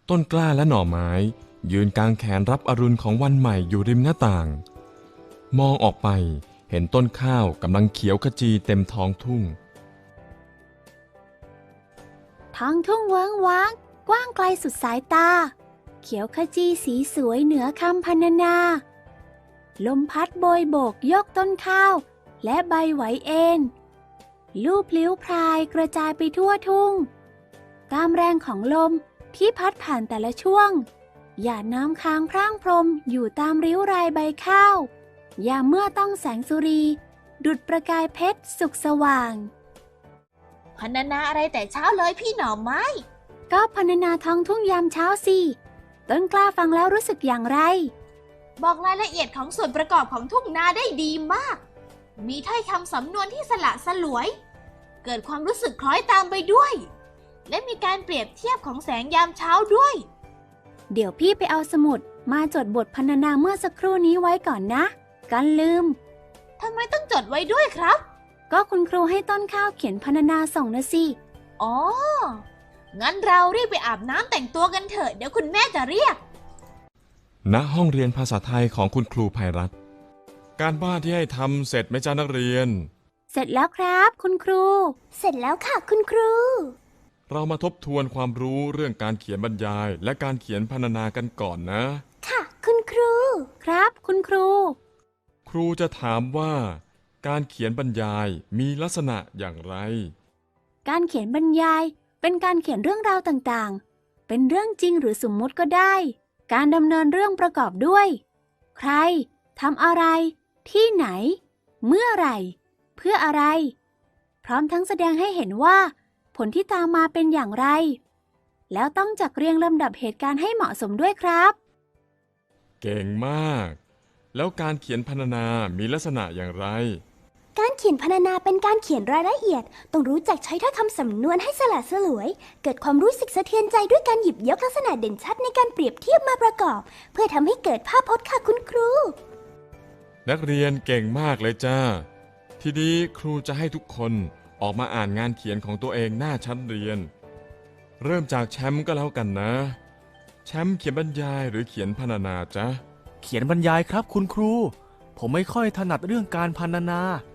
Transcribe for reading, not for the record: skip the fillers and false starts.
ต้นกล้าและหน่อไม้ยืนกางแขนรับอรุณของวันใหม่อยู่ริมหน้าต่างมองออกไปเห็นต้นข้าวกำลังเขียวขจีเต็มท้องทุ่งท้องทุ่งเวิ้งว้างกว้างไกลสุดสายตาเขียวขจีสีสวยเหนือคำพรรณนาลมพัดโบยโบกยกต้นข้าวและใบไหวเอ็นลูบลิ้วพรายกระจายไปทั่วทุ่งตามแรงของลมที่พัดผ่านแต่ละช่วงหยาดน้ำค้างพร่างพรมอยู่ตามริ้วรายใบข้าวยามเมื่อต้องแสงสุรีดุจประกายเพชรสุกสว่างพรรณนาอะไรแต่เช้าเลยพี่หน่อไม้ก็พรรณนาท้องทุ่งยามเช้าสิต้นกล้าฟังแล้วรู้สึกอย่างไรบอกรายละเอียดของส่วนประกอบของทุ่งนาได้ดีมากมีถ้อยคำสำนวนที่สละสลวยเกิดความรู้สึกคล้อยตามไปด้วยและมีการเปรียบเทียบของแสงยามเช้าด้วยเดี๋ยวพี่ไปเอาสมุดมาจดบทพรรณนาเมื่อสักครู่นี้ไว้ก่อนนะกันลืมทำไมต้องจดไว้ด้วยครับก็คุณครูให้ต้นข้าวเขียนพรรณนาส่งนะสิอ๋องั้นเรารีบไปอาบน้ำแต่งตัวกันเถอะเดี๋ยวคุณแม่จะเรียกณห้องเรียนภาษาไทยของคุณครูภัยรัตน์การบ้านที่ให้ทำเสร็จไหมจ้านักเรียนเสร็จแล้วครับคุณครูเสร็จแล้วค่ะคุณครูเรามาทบทวนความรู้เรื่องการเขียนบรรยายและการเขียนพรรณนากันก่อนนะค่ะคุณครูครับคุณครูครูจะถามว่าการเขียนบรรยายมีลักษณะอย่างไรการเขียนบรรยายเป็นการเขียนเรื่องราวต่างๆเป็นเรื่องจริงหรือสมมุติก็ได้การดำเนินเรื่องประกอบด้วยใครทำอะไรที่ไหนเมื่อไหร่เพื่ออะไรพร้อมทั้งแสดงให้เห็นว่าผลที่ตามมาเป็นอย่างไรแล้วต้องจัดเรียงลำดับเหตุการณ์ให้เหมาะสมด้วยครับเก่งมากแล้วการเขียนพรรณนามีลักษณะอย่างไรการเขียนพรรณนาเป็นการเขียนรายละเอียดต้องรู้จักใช้ถ้อยคำสำนวนให้สละสลวยเกิดความรู้สึกสะเทือนใจด้วยการหยิบยกลักษณะเด่นชัดในการเปรียบเทียบมาประกอบเพื่อทำให้เกิดภาพพจน์ค่ะคุณครูนักเรียนเก่งมากเลยจ้าทีนี้ครูจะให้ทุกคนออกมาอ่านงานเขียนของตัวเองหน้าชั้นเรียนเริ่มจากแชมป์ก็แล้วกันนะแชมป์เขียนบรรยายหรือเขียนพรรณนาจ๊ะเขียนบรรยายครับคุณครูผมไม่ค่อยถนัดเรื่องการพรรณนา